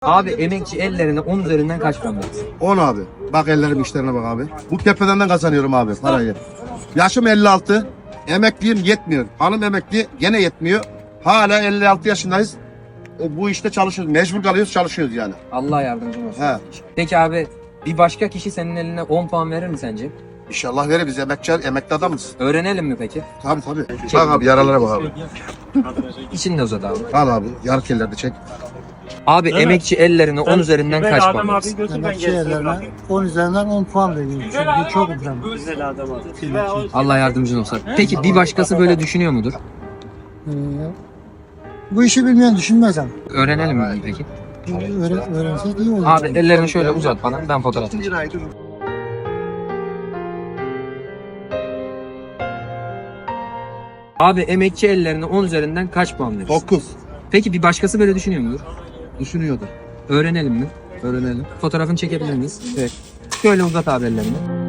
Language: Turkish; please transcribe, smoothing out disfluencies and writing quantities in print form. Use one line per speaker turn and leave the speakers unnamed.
Abi emekçi ellerine 10 üzerinden kaç puan verirsin?
10 abi. Bak ellerim işlerine bak abi. Bu tepeden kazanıyorum abi parayı. Yaşım 56. Emekliyim yetmiyor. Hanım emekli gene yetmiyor. Hala 56 yaşındayız. Bu işte çalışıyoruz. Mecbur kalıyoruz çalışıyoruz yani.
Allah yardımcın olsun.
He.
Peki abi bir başka kişi senin eline 10 puan verir mi sence?
İnşallah verir biz emekli adamız.
Öğrenelim mi peki?
Tabii tabii. Bak abi yaralara bak abi.
İçinde uzat abi.
Al abi yarı kellerde çek.
Abi emekçi ellerine 10 üzerinden kaç puan verirsin?
Emekçi yerlerine 10 üzerinden 10 puan veriyorum. Çünkü çok önemli.
Allah yardımcın olsun. Peki bir başkası böyle düşünüyor mudur?
Bu işi bilmeyen düşünmez ama.
Öğrenelim mi peki?
Öğrensek iyi olur.
Abi ellerini şöyle uzat bana, ben fotoğraf çekeyim. Abi emekçi ellerine 10 üzerinden kaç puan verirsin?
9.
Peki bir başkası böyle düşünüyor mudur?
Düşünüyordu.
Öğrenelim mi?
Öğrenelim.
Fotoğrafını çekebilir miyiz? Evet. Şöyle uzat abi ellerini.